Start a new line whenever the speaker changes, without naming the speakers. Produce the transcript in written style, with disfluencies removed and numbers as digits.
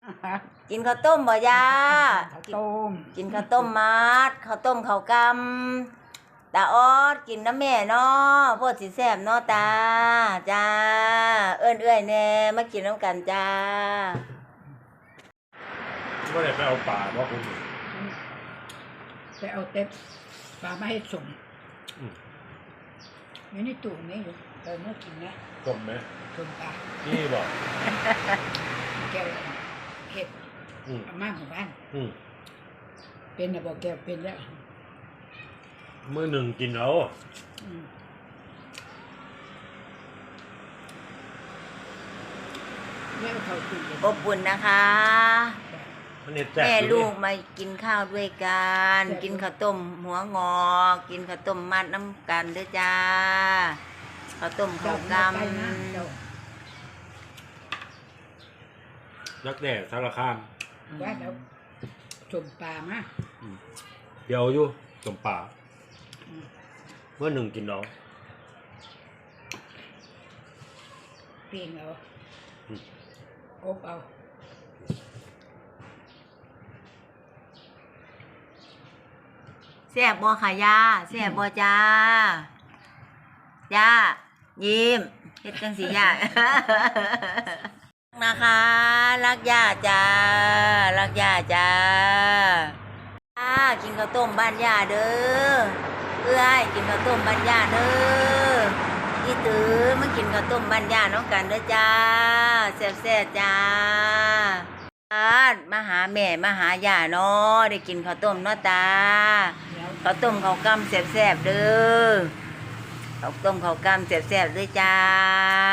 กินข้าวต้มบ่ยา
ข้าวต้ม
กินข้าวต้มมัดข้าวต้มข้าวกำตาออดกินน้ำแม่เนาะพวกสิแซ่บเนาะตาจ้าเอื้อยแน่มากินน้ำกันจ้า
ก็เลยไปเอาป่าว่าคุณ
ไปเอาเต็บปลามาให้ส่งอยู่ในตู้นี้อยู่เมื่อกินนะ
กลมไหม
ส่งปลา
นี่บอก
แก้วเห็ด
อืม
อาม่าของบ้าน
อืม
เป็นนะบอกแก้วเป็นแล้ว
มื้อหนึ่งกินเอา
แม่เขาตู้เย็น
อบอุ่นนะคะ
มันเห็ดแซ่บ
แม่
อยู่
ลู
นี่
กมากินข้าวด้วยกัน กินข้าวต้มหัวงอ กินข้าวต้มมัดน้ำกันด้วยจ้าข้าวต้มข้าวก
ไปนะเจ้า
นักแด่สารคาม
ว่าแล้วชมปลามา
เดี๋ยวอยู่สมป่ามื้อหนึ่งกินเอา
เปลี่ยนเอา
อืม
อบเอา
ำแซ่บบ่ค่ะยาแซ่บบ่จ้าย่ายิ้มเฮ็ดจังสิย่า นะคะรักย่าจ้ารักย่าจ้ากินข้าวต้มบ้านย่าเด้อเอื้อยกินข้าวต้มบ้านย่าเด้ออีตื้อมากินข้าวต้มบ้านย่าน้องกันเด้อจ้าแซ่บๆจ้ามาหาแม่มาหาย่าเนาะได้กินข้าวต้มเนาะตา
แล้ว
ข้าวต้มข้าวกำแซ่บๆเด้อข้าวต้มข้าวกำแซ่บๆด้วยจ้า